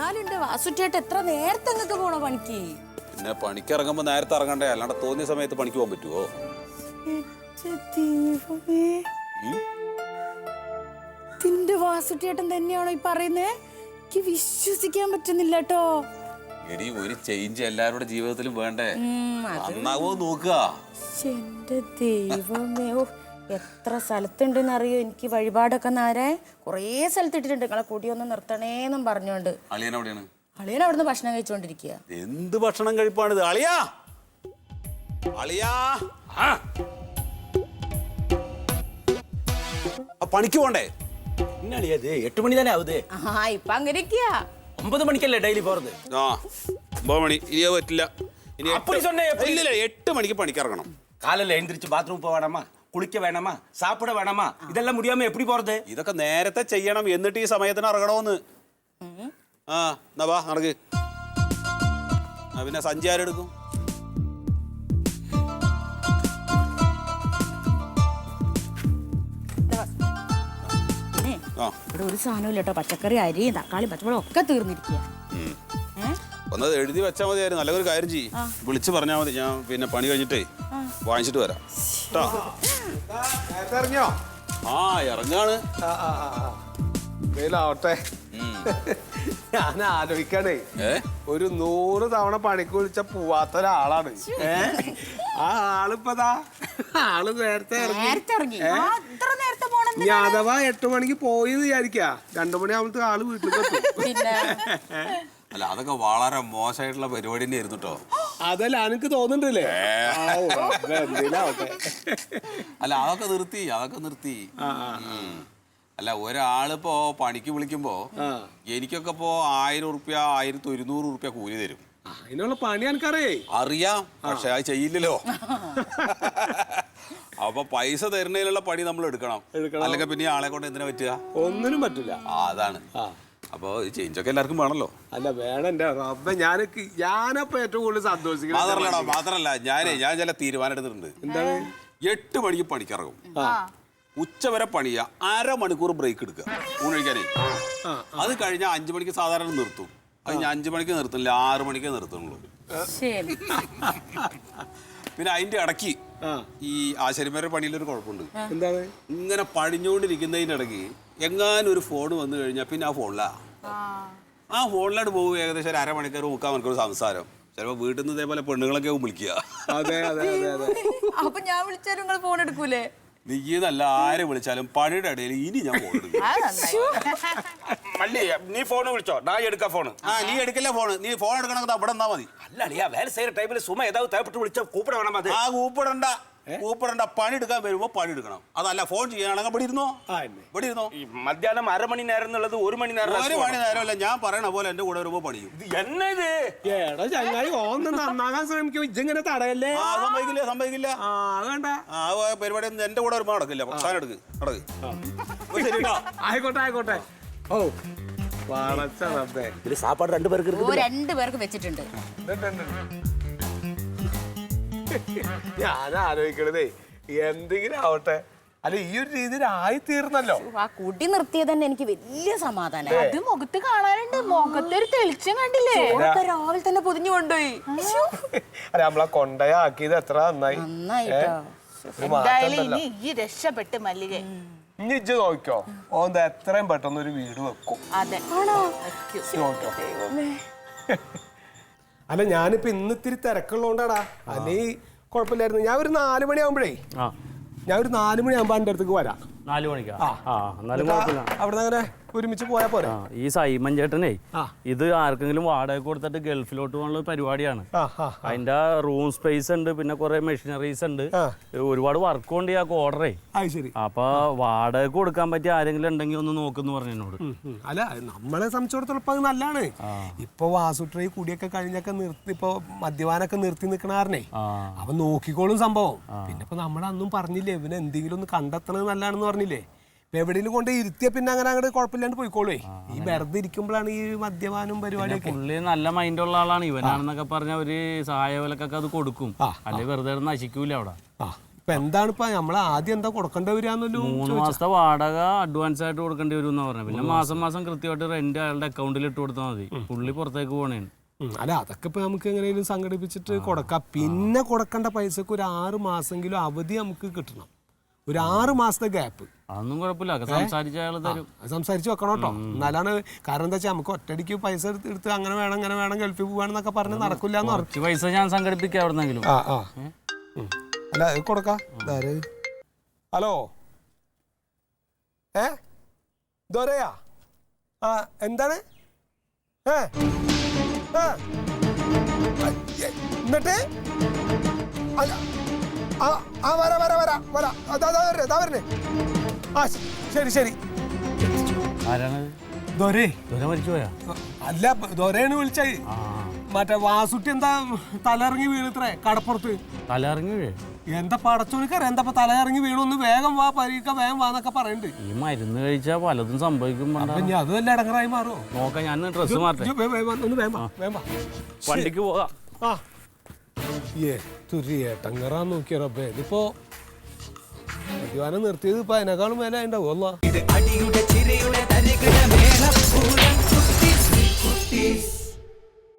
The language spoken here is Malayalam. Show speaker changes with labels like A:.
A: എന്നാലുണ്ട് വാസുറ്റേട്ട് എത്ര നേരത്തെ അങ്ങക്ക് പോണോ പണിക്ക്?
B: പിന്നെ പണിക്ക് ഇറങ്ങുമ്പോ നേരത്തെ ഇറങ്ങണ്ടേ, അല്ലാണ്ട് തോന്നിയ സമയത്ത് പണിക്ക് പോകാൻ പറ്റുമോ?
A: ഇതിന്റെ വാസുറ്റേട്ടൻ തന്നെയാണോ ഈ പറയുന്നേ? എനിക്ക് വിശ്വസിക്കാൻ പറ്റുന്നില്ല കേട്ടോ.
B: എടി, ഒരു ചേഞ്ച് എല്ലാവരുടെ ജീവിതത്തിലും വേണ്ടേ? നന്നാവോ നോക്കുക.
A: എന്റെ ദൈവമേ, എത്ര സ്ഥലത്തുണ്ടെന്ന് അറിയോ എനിക്ക് വഴിപാടൊക്കെ നേരെ കുറേ സ്ഥലത്ത് ഇട്ടിട്ടുണ്ട്. നിങ്ങളെ കൂടിയൊന്ന് നിർത്തണേന്നും പറഞ്ഞോണ്ട്.
B: അളിയൻ എവിടെയാണ്?
A: അളിയൻ അവിടുന്ന് ഭക്ഷണം കഴിച്ചോണ്ടിരിക്കുക.
B: എന്ത് ഭക്ഷണം കഴിപ്പാണിത്? അളിയാ, അളിയാ, പണിക്ക് പോണ്ടേ?
C: ഇന്നളിയത് 8 മണി തന്നെ ആവുതേ.
A: ഇപ്പൊ അങ്ങനെ
C: 9 മണിക്കല്ലേ ഡെയിലി പോறது?
B: 9 മണി ഇനിയോ പറ്റില്ല. ഇനി 8 മണിക്ക് പണിക്ക് ഇറങ്ങണം.
C: காலையில எழுந்திரிச்சு பாத்ரூம் போக வேணாமா, குளிக்க வேணாமா, சாப்பிட வேணாமா? இதெல்லாம் முடியாம எப்படி போறது?
B: ഇതൊക്കെ നേരത്തെ ചെയ്യണം, എന്നിട്ട് ഈ സമയത്തിന് ഇറങ്ങണമെന്ന്. എന്നാ വാ നടക്ക്. പിന്നെ സഞ്ചി ആരെടുക്കും?
A: ഇവിടെ ഒരു സാധനവും ഇല്ല കേട്ടോ. പച്ചക്കറി, അരി, തക്കാളി, പച്ചമുളക് ഒക്കെ തീർന്നിരിക്കുക.
B: ഒന്നത് എഴുതി വെച്ചാൽ മതിയായിരുന്നു. നല്ലൊരു കാര്യം ചെയ്യും, വിളിച്ച് പറഞ്ഞാൽ മതി. ഞാൻ പിന്നെ പണി കഴിഞ്ഞിട്ടേ വാങ്ങിച്ചിട്ട് വരാം.
D: ഇറങ്ങിയോ?
B: ഇറങ്ങാണ്.
D: വെയിലാവട്ടെ. ഞാൻ ആലോചിക്കണേ, ഒരു 100 തവണ പണിക്ക് വിളിച്ച പോവാത്ത ഒരാളാണ്. ആ ആളിപ്പതാ ആള് നേരത്തെ ഇറങ്ങി. ഇനി അഥവാ 8 മണിക്ക് പോയി വിചാരിക്ക, 2 മണിയാകുമ്പോ ആള് വീട്ടിൽ.
B: അല്ല, അതൊക്കെ വളരെ മോശമായിട്ടുള്ള പരിപാടി തന്നെ ആയിരുന്നു കേട്ടോ.
D: അതല്ല എനിക്ക് തോന്നുന്നുണ്ടല്ലേ?
B: അല്ല, അതൊക്കെ നിർത്തി. അല്ല, ഒരാളിപ്പോ പണിക്ക് വിളിക്കുമ്പോ എനിക്കൊക്കെ ഇപ്പോ 1000 റുപ്യ 1100 റുപ്യ കൂലി തരും.
D: അതിനുള്ള പണി
B: അറിയാം, പക്ഷെ അത് ചെയ്യില്ലല്ലോ. അപ്പൊ പൈസ തരുന്നതിനുള്ള പണി നമ്മൾ എടുക്കണം. അല്ലെങ്കിൽ പിന്നെ ആളെ കൊണ്ട് എന്തിനാ പറ്റുക?
D: ഒന്നിനും പറ്റില്ല.
B: അതാണ്. അപ്പൊ ചേഞ്ചൊക്കെ എല്ലാവർക്കും വേണല്ലോ.
D: അല്ല വേണം. എന്റെ റബ്ബേ, ഞാനപ്പോ ഏറ്റവും കൂടുതൽ സന്തോഷിക്കണം.
B: മാത്രല്ല ഞാൻ ചില തീരുമാനം എടുത്തിട്ടുണ്ട്.
D: എന്താണ്?
B: 8 മണിക്ക് പണിക്കിറങ്ങും, ഉച്ചവരെ പണിയാ, 1/2 മണിക്കൂർ ബ്രേക്ക് എടുക്കുക ഊണ് കഴിക്കാനേ. അത് കഴിഞ്ഞാൽ 5 മണിക്ക് സാധാരണ നിർത്തും. അത് ഞാൻ 5 മണിക്ക് നിർത്തുന്നില്ല, 6 മണിക്കേ നിർത്തുന്നുള്ളൂ. പിന്നെ അതിന്റെ ഇടയ്ക്ക് ഈ ആശാരിമാരുടെ പണിയിലൊരു കുഴപ്പമുണ്ട്.
D: എന്താണ്?
B: ഇങ്ങനെ പണിഞ്ഞുകൊണ്ടിരിക്കുന്നതിന്റെ ഇടയ്ക്ക് എങ്ങാനും ഒരു ഫോൺ വന്നു കഴിഞ്ഞാൽ പിന്നെ ആ ഫോണിലോട്ട് പോകും. ഏകദേശം ഒരു 1/2 മണിക്കൂർ 3/4 മണിക്കൂർ സംസാരം. ചിലപ്പോ വീട്ടിൽ നിന്ന് ഇതേപോലെ പെണ്ണുങ്ങളൊക്കെ വിളിക്കുക.
D: അതെ അതെ അതെ.
A: അപ്പൊ ഞാൻ വിളിച്ചാലും നിങ്ങൾ ഫോൺ എടുക്കൂലേ?
B: നീന്നല്ല, ആരെ വിളിച്ചാലും പണിയുടെ ഇടയിൽ ഇനി ഞാൻ ഫോൺ എടുക്കും.
C: നീ ഫോൺ വിളിച്ചോ? ഞാൻ എടുക്കാം ഫോൺ.
B: നീ എടുക്കില്ല ഫോൺ. നീ ഫോൺ എടുക്കണമെങ്കിൽ അവിടെ നിന്നാ മതി.
C: അല്ലടിയാ, വേല ചെയ്യற ടൈമിൽ സുമ ഏതാവും തേപ്പെട്ട് വിളിച്ചാൽ കൂപ്പിട വേണം. അത്
B: കൂപ്പിടണ്ട. പണി എടുക്കാൻ വരുമ്പോ പണി എടുക്കണം. അതല്ല, ഫോൺ ചെയ്യാനാണെങ്കിൽ ഇവിടെ ഇരുന്നോ.
C: മധ്യാഹ്നം 1/2 മണി നേരം എന്നുള്ളത് 1 മണി നേരം.
B: 1 മണി നേരമല്ല, ഞാൻ പറയണ പോലെ എന്റെ കൂടെ വരുമ്പോ പണിയും.
C: എന്നെ ഇത്
D: ഏടാ ചങ്ങായി, ഓന്ന് നന്നാകാൻ ശ്രമിക്കും. ഇജ്ജിങ്ങനെ തടയല്ലേ?
B: സമ്മതിക്കില്ല.
D: വേണ്ട,
B: ആ പരിപാടി ഒന്നും എന്റെ കൂടെ വരുമ്പോ നടക്കില്ല. സാധനം എടുക്ക്.
D: ആയിക്കോട്ടെ. ഓ വളച്ചേ.
C: ഇതിൽ സാപ്പാട് 2 പേർക്ക്
A: 2 പേർക്ക് വെച്ചിട്ടുണ്ട്.
D: ഞാൻ ആലോചിക്കണതേ എന്തെങ്കിലും ആവട്ടെ. അല്ല, ഈ ഒരു രീതിയിൽ ആയി തീർന്നല്ലോ.
A: ആ കുടി നിർത്തിയത് തന്നെ എനിക്ക് വലിയ സമാധാനം. അത് മുഖത്ത് കാണാനുണ്ട്. മുഖത്തൊരു തെളിച്ചം കണ്ടില്ലേ? രാവിലെ തന്നെ പൊതിഞ്ഞു കൊണ്ടുപോയി.
D: അല്ല, നമ്മളെ കൊണ്ടയാക്കിയത് എത്ര നന്നായി.
E: ഈ രക്ഷപ്പെട്ട് മല്ലിക.
D: ഇനി ഇജ്ജ് നോക്കിക്കോ, ഓന്ത് എത്രയും പെട്ടെന്ന് ഒരു വീട് വെക്കും.
A: അതെ.
D: അല്ല, ഞാനിപ്പോ ഇന്ന് ഇത്തിരി തിരക്കുള്ളതുകൊണ്ടാടാ. അല്ലേ കുഴപ്പമില്ലായിരുന്നു. ഞാൻ ഒരു 4 മണിയാകുമ്പോഴേ എന്റെ അടുത്തേക്ക് വരാം.
F: 4 മണിക്കാ?
D: അവിടെ അങ്ങനെ ഒരുമിച്ച് പോയാ പോരാ?
F: ഈ സൈമൻ ചേട്ടനെ ഇത് ആർക്കെങ്കിലും വാടക കൊടുത്തിട്ട് ഗൾഫിലോട്ട് പോകാനുള്ള പരിപാടിയാണ്. അതിന്റെ റൂം സ്പേസ് ഉണ്ട്, പിന്നെ കുറെ മെഷീനറീസ് ഉണ്ട്, ഒരുപാട് വർക്ക് ഉണ്ട്. ആ ഓർഡറേ അപ്പൊ വാടക കൊടുക്കാൻ പറ്റിയ ആരെങ്കിലും ഉണ്ടെങ്കിൽ ഒന്ന് നോക്കുന്നു പറഞ്ഞു എന്നോട്.
D: അല്ല, നമ്മളെ സംബന്ധിച്ചിടത്തോളം ഇപ്പൊ അത് നല്ലതാണ്. ഇപ്പൊ വാസുട്രൈ കുടിയൊക്കെ കഴിഞ്ഞൊക്കെ നിർത്തി, ഇപ്പൊ മദ്യപാനൊക്കെ നിർത്തി നിക്കണാരനെ അപ്പൊ നോക്കിക്കോളും സംഭവം. പിന്നെ ഇപ്പൊ നമ്മളന്നും പറഞ്ഞില്ലേ, ഇവന് എന്തെങ്കിലും ഒന്ന് കണ്ടെത്തണത് നല്ലതാണെന്ന് പറഞ്ഞില്ലേ. എവിടെയും കൊണ്ട് ഇരുത്തിയ പിന്നെ അങ്ങനെ അങ്ങോട്ട് കുഴപ്പമില്ലാണ്ട് പോയിക്കോളേ. ഈ വെറുതെ ഇരിക്കുമ്പോഴാണ് ഈ മദ്യപാനും പരിപാടിയൊക്കെ.
F: പുള്ളി നല്ല മൈൻഡുള്ള ആളാണ്. ഇവനാണെന്നൊക്കെ പറഞ്ഞ ഒരു സഹായ വിലക്കൊക്കെ അത് കൊടുക്കും, അല്ലെങ്കിൽ വെറുതെ നശിക്കൂല അവിടെ.
D: ഇപ്പൊ എന്താണ് ഇപ്പൊ നമ്മളെ ആദ്യം എന്താ കൊടുക്കേണ്ടി വരികയെന്നല്ലോ
F: 3 മാസത്തെ വാടക അഡ്വാൻസ് ആയിട്ട് കൊടുക്കേണ്ടി വരും എന്നാ പറഞ്ഞത്. പിന്നെ മാസം മാസം കൃത്യമായിട്ട് റെന്റ് അയാളുടെ അക്കൗണ്ടിൽ ഇട്ട് കൊടുത്താൽ മതി. പുള്ളി പുറത്തേക്ക് പോണേന്.
D: അല്ല അതൊക്കെ ഇപ്പൊ നമുക്ക് എങ്ങനെയും സംഘടിപ്പിച്ചിട്ട് കൊടുക്കാം. പിന്നെ കൊടുക്കേണ്ട പൈസക്ക് ഒരു 6 മാസമെങ്കിലും അവധി നമുക്ക് കിട്ടണം. ഒരു 6 മാസത്തെ ഗ്യാപ്പ്.
F: അതൊന്നും കുഴപ്പമില്ല, സംസാരിച്ച അയാൾ തരും.
D: സംസാരിച്ച് വെക്കണം കേട്ടോ. എന്നാലാണ് കാരണം എന്താ വെച്ചാൽ നമുക്ക് ഒറ്റയടിക്ക് പൈസ എടുത്ത് അങ്ങനെ വേണം ഗൾഫിൽ പോവാണെന്നൊക്കെ പറഞ്ഞ് നടക്കില്ല എന്ന് പറഞ്ഞു.
F: പൈസ ഞാൻ സംഘടിപ്പിക്കാം എവിടെന്നെങ്കിലും.
D: അല്ല കൊടുക്കാം. ഹലോ ദോരയാ എന്താണ് എന്നിട്ട് വരണേ. ശരി
F: മരിച്ചുപോയാ?
D: അല്ല ദോരയാണ് വിളിച്ചത്. മറ്റേ വാസുട്ടി എന്താ തലയിറങ്ങി വീണിത്രേ കടപ്പുറത്ത്.
F: തലയിറങ്ങി വീഴേ?
D: എന്താ പടച്ചോണിക്കറിയാം എന്താ തലയിറങ്ങി വീണൊന്ന് വേഗം വാ പരീക്ക വേഗം വാന്നൊക്കെ പറയുന്നുണ്ട്.
F: ഈ മരുന്ന് കഴിച്ചാൽ പലതും സംഭവിക്കും.
D: അത് വല്ല ഇടങ്ങറായി മാറോ
F: നോക്കാം. ഞാൻ ഡ്രസ്സ് മാറട്ടെ. വണ്ടിക്ക് പോകാം.
D: ഏട്ടങ്ങറാന്ന് നോക്കിയ റബ്ബേ. ഇതിപ്പോ മദ്യപാനം നിർത്തിയത് ഇപ്പൊ അതിനേക്കാളും മേലെ ഉണ്ടാവും.